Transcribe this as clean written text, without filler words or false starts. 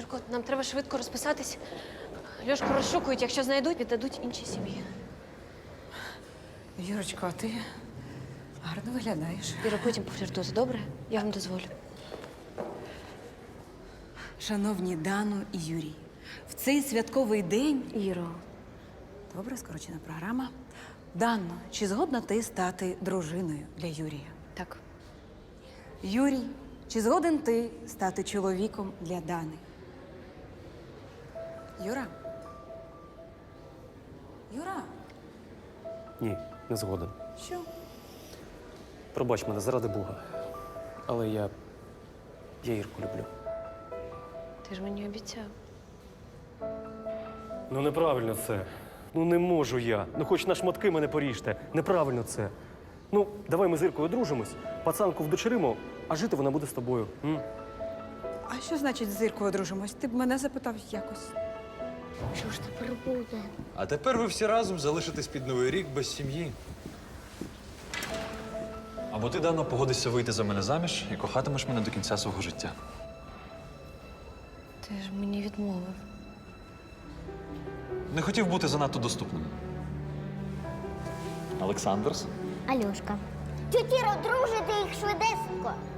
Юрко, нам треба швидко розписатись. Льошку розшукують, якщо знайдуть, віддадуть іншій сім'ї. Юрочко, а ти гарно виглядаєш. Іро, потім пофліртуйте, добре? Я вам дозволю. Шановні Дану і Юрій, в цей святковий день… Іро. Добре, скорочена програма. Данно, чи згодна ти стати дружиною для Юрія? Так. Юрій, чи згоден ти стати чоловіком для Дани? Юра? Юра? Ні, не згоден. Що? Пробач мене, заради Бога. Але я Ірку люблю. Ти ж мені обіцяв. Ну неправильно це. Ну не можу я. Ну хоч на шматки мене поріжте. Неправильно це. Ну, давай ми з Іркою одружимось, пацанку вдочеримо, а жити вона буде з тобою. А що значить з Іркою одружимось? Ти б мене запитав якось. Що ж тепер буде? А тепер ви всі разом залишитесь під Новий рік без сім'ї. Або ти, Дано, погодишся вийти за мене заміж і кохатимеш мене до кінця свого життя. Ти ж мені відмовив. Не хотів бути занадто доступним. Олександрс? Альошка. Тютіро, дружите їх швидесенько.